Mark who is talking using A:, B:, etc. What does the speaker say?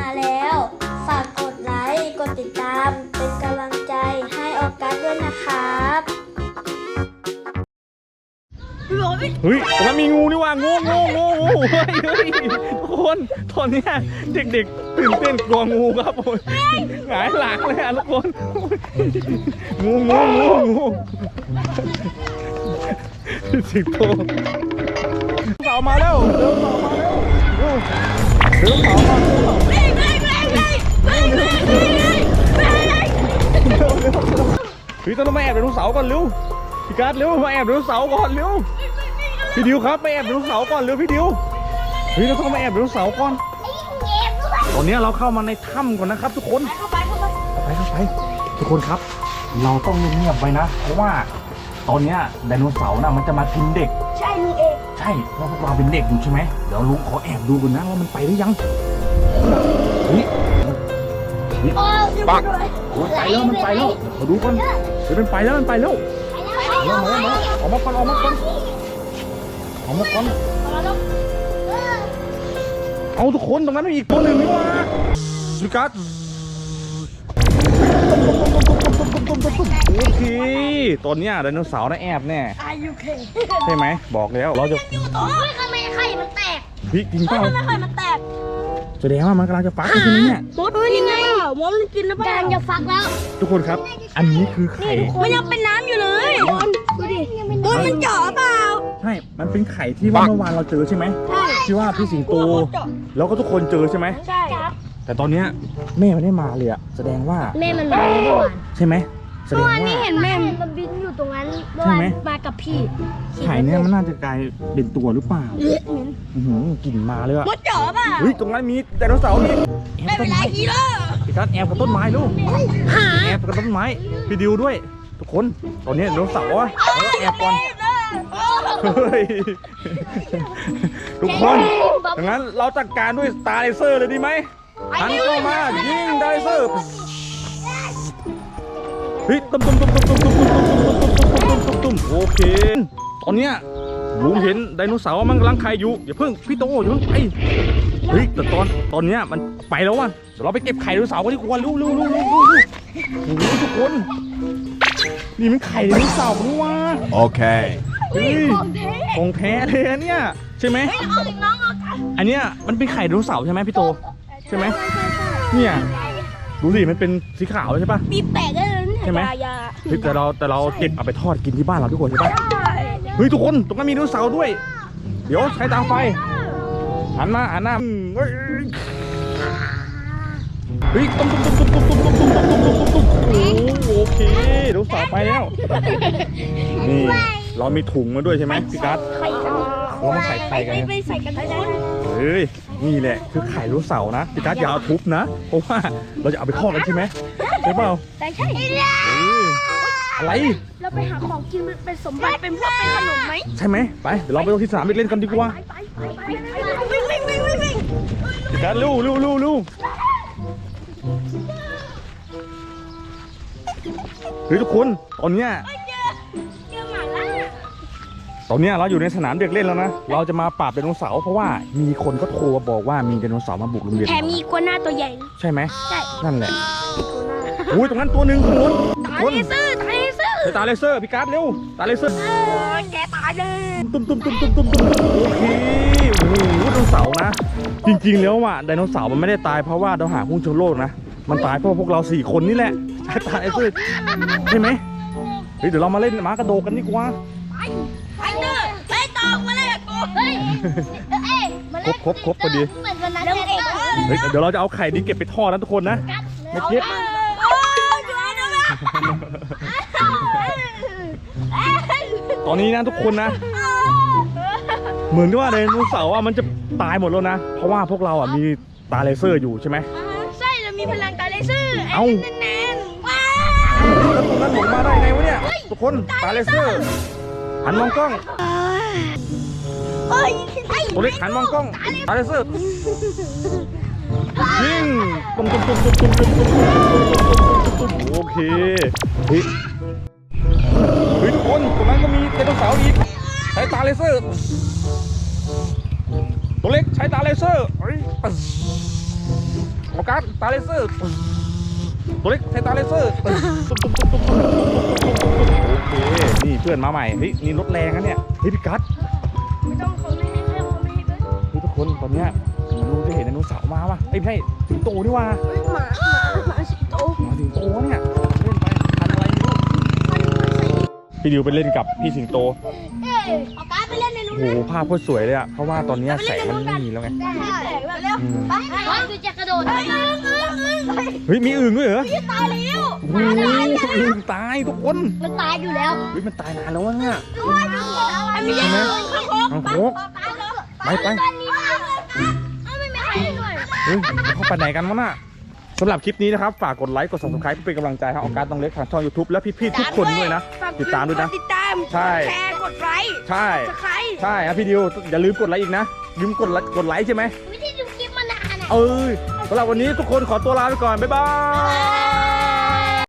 A: แล้วฝากกดไลค์กดติดตามเป็นกำลังใจให้ออกัสด้วยนะครับ
B: เฮ้ยตรงนั้นมีงูนี่ว่างูเฮ้ยทุกคนตอนนี้เด็กๆตื่นเต้นกลัวงูครับโอ้ยหงายหลังเลยอ่ะทุกคนงูสิงโตเสามาแล้วเดินเสามาแล้วเดินเสามาเฮ้ยต้องมาแอบไดโนเสาร์ก่อนเร็วพี่การ์ดเร็วมาแอบไดโนเสาร์ก่อนเร็วพี่ดิวครับมาแอบไดโนเสาร์ก่อนเร็วพี่ดิวเฮ้ยเราต้องมาแอบไดโนเสาร์ก่อนตอนนี้เราเข้ามาในถ้ำก่อนนะครับทุกคนเข้าไปทุกคนครับเราต้องเงียบๆไว้นะเพราะว่าตอนนี้ไดโนเสาร์น่ะมันจะมากินเด็ก
A: ใช่ลุงเอง
B: ใช่เพราะพวกเราเป็นเด็กอยู่ใช่ไหมเดี๋ยวลุงขอแอบดูก่อนนะว่ามันไปหรือยังเฮ้ยปักไปแล้วมันไปแล้วขอดูก่อนเดี๋ยวมันไปแล้วมาออกมาก่อนเอาทุกคนตรงนั้นมีอีกตัวหนึ่งนี่ว่าสุกัสโอเคตอนนี้ไดโนเสาร์น่ะแอบแน่ใช่ไหมบอกแล้วเราจะ
A: ทำไมไข่มันแตก
B: พี่กินเปล่า
A: ทำไมไข่มันแตก
B: แสดงว่ามันกำลังจะฟักใช่ไหมเนี่ย
A: มดกินไงมดกินแล้วกำลังจะฟักแล้ว
B: ทุกคนครับอันนี้คือไข่
A: มันยังเป็นน้ำอยู่เลยดูดิมันเจาะเปล่า
B: ใช่มันเป็นไข่ที่เมื่อวานเราเจอใช่ไหมใช่ที่ว่าพี่สิงโตแล้วก็ทุกคนเจอใช่ไหม
A: ใช่ครับ
B: แต่ตอนนี้แม่ไม่ได้มาเลยอะแสดงว่า
A: แม่มันมาเมื่อวาน
B: ใช่ไหมแสดงว่า
A: นี่เห็นแม่มันบินอยู่ตรงนั้นเมื่อวานมากับพี่
B: ไข่เนี่ยมันน่าจะกลายเป็นตัวหรือเปล่ากลิ่นมาเลยอะ
A: มดเจาะเปล่า
B: เฮ้ยตรงนั้นมีไดโนเสาร์นี่
A: ไม่เป็นไรฮีโร่
B: พี่กัสแอบกับต้นไม้ลูกแอบกับต้นไม้พี่ดิวด้วยทุกคนตอนนี้ไดโนเสาร์แอบก่อนทุกคนดังนั้นเราจัดการด้วยสตาร์เลเซอร์เลยดีไหมหันเข้ามายิงไดเซอร์เฮ้ยตุ้มโอเคตอนเนี้ยลุงเห็นไดโนเสาร์มันกำลังไข่อยู่อย่าเพิ่งพี่โตอย่าเพิ่งไปเฮ้ยแต่ตอนเนี้ยมันไปแล้วว่ะเดี๋ยวเราไปเก็บไข่ไดโนเสาร์กันดีกว่าเร็วทุกคนนี่มันไข่ไดโนเสาร์นี่ว่ะ
C: โอเค
B: ของแท้เลยอันเนี้ยใช่ไหมอันเนี้ยมันเป็นไข่ไดโนเสาร์ใช่ไหมพี่โตใช่ไหมเนี่ยดูสิมันเป็นสีขาวใช่ปะ
A: ปีแตกได้เลย
B: ใช่ไหมเฮ้ยแต่เราเก็บเอาไปทอดกินที่บ้านเราทุกคนใช่ปะเฮ้ยทุกคนตรงนั้นมีไดโนเสาร์ด้วยเดี๋ยวใช้ตาไฟหันหน้าเฮ้ยตุ้มโอเคไดโนเสาร์ไปแล้วนี่เรามีถุงมาด้วยใช่ไหมพี่กัสเรามาใส่ไข่กัน
A: ไปใส่กันทุกคน
B: เฮ้ยนี่แหละคือไข่ไดโนเสาร์นะพี่กัสอย่าเอาทุบนะเพราะว่าเราจะเอาไปทอดกันใช่ไหมใช่เปล่า
A: ใช่
B: อะไร
A: เราไปหาของกินเป็นสมบัติเป็นพวกเป็นขนมไหม
B: ใช่ไหมไปเดี๋ยวเราไปลงที่สนามเล่นกันดีกว่า
A: วิ่ง
B: พี่กัสลู่เฮ้ยทุกคนตอนเนี้ยเราอยู่ในสนามเด็กเล่นแล้วนะเราจะมาปราบไดโนเสาร์เพราะว่ามีคนก็โทรมาบอกว่ามีไดโนเสาร์มาบุกโรงเรียน
A: แถมมีกัวหน้าตัวใหญ่
B: ใช่ไหม
A: ใช่
B: นั่นแหละอุ้ยตรงนั้นตัวหนึ่งคน
A: ตาเลเซอ
B: ร์พี่การ์ดเร็วตาเลเซอร์
A: แกตายเลย
B: ตุ้มโอเคโอ้โหไดโนเสาร์นะจริงๆแล้วอ่ะไดโนเสาร์มันไม่ได้ตายเพราะว่าเราหาหุ้นชนโลกนะมันตายเพราะพวกเรา4คนนี่แหละใช่ตาเลเซอร์ใช่ไหมเฮ้ยเดี๋ยวเรามาเล่นม้ากระโดดกันดีกว่า
A: ไปตอกมาเลยกู
B: ครบพอดีเฮ้ยเดี๋ยวเราจะเอาไข่นี้เก็บไปทอดนะทุกคนนะไม่เก็บตอนนี้นะทุกคนนะเหมือนว่าไดโนเสาร์มันจะตายหมดแล้วนะเพราะว่าพวกเราอ่ะมีตาเลเซอร์อยู่ใช่ไหม
A: ใช่เรามีพลังตาเลเซอร์
B: เอา
A: แน่นว้า
B: แล้วตรงนั้นหลงมาได้ไงวะเนี่ยทุกคนตาเลเซอร์หันมองกล้องตัวเล็กหันมองกล้องตาเลเซอร์ยิงตุ้มโอเคเฮ้ยทุกคนตรงนั้นก็มีไดโนเสาร์อีกใช้ตาเลเซอร์ตัวเล็กใช้ตาเลเซอร์โอเคการ์ดตาเลเซอร์ตัวเล็กใช้ตาเลเซอร์โอเคนี่เพื่อนมาใหม่เฮ้ยนี่รถแรงนะเนี่ยเฮ้ยพี่กัส
A: ไม่ต้องเขาไม่ให้เขาไม่ให้ด้วย
B: เฮ้ยทุกคนตอนเนี้ยลุงจะเห็นไดโนเสาร์มาว่ะเอ้ยไม่ใช่สิงโตนี่ว่ะ
A: หมาสิงโต
B: มาสิงโตเนี่ยเล่นไปทันอะไรไม่รู้พี่ดิวไปเล่นกับพี่สิงโต
A: เอาการ์ดไปเล่นในนู้น
B: โอ้โหภาพโคตรสวยเลยอะเพราะว่าตอนเนี้ยแสงมันไม่มีแล้วไง
A: ได้เร็วไปคือจะกระโดด
B: เฮ้ยมีอึ่งด้วยเหรอ
A: ตายแล้ว
B: โอ้โหอึ่งตายทุกคน
A: มันตายอยู่แล้ว
B: เฮ้ยมันตายนานแล้ววะเนี่ย
A: ไม่ใช่
B: เอาโคกไปไป
A: ไม่มีใครด้วย
B: เฮ้ยเขาไปไหนกันวะน่ะสำหรับคลิปนี้นะครับฝากกดไลค์กด subscribe เพื่อเป็นกำลังใจให้ออกัสต้องเล็กทางช่อง YouTube และพี่ๆทุกคนด้วยนะติดตามด้วยนะ
A: ติดตาม
B: ใช่
A: แชร์กดไลค์
B: ใช่
A: สไครต์
B: ใช่ครับพี่ดิวอย่าลืมกดไลค์อีกนะลืมกดไลค์ใช่ไหม
A: ไม่ได้ดูคลิปมานานอ่ะ
B: สำหรับวันนี้ทุกคนขอตัวลาไปก่อนบ๊ายบาย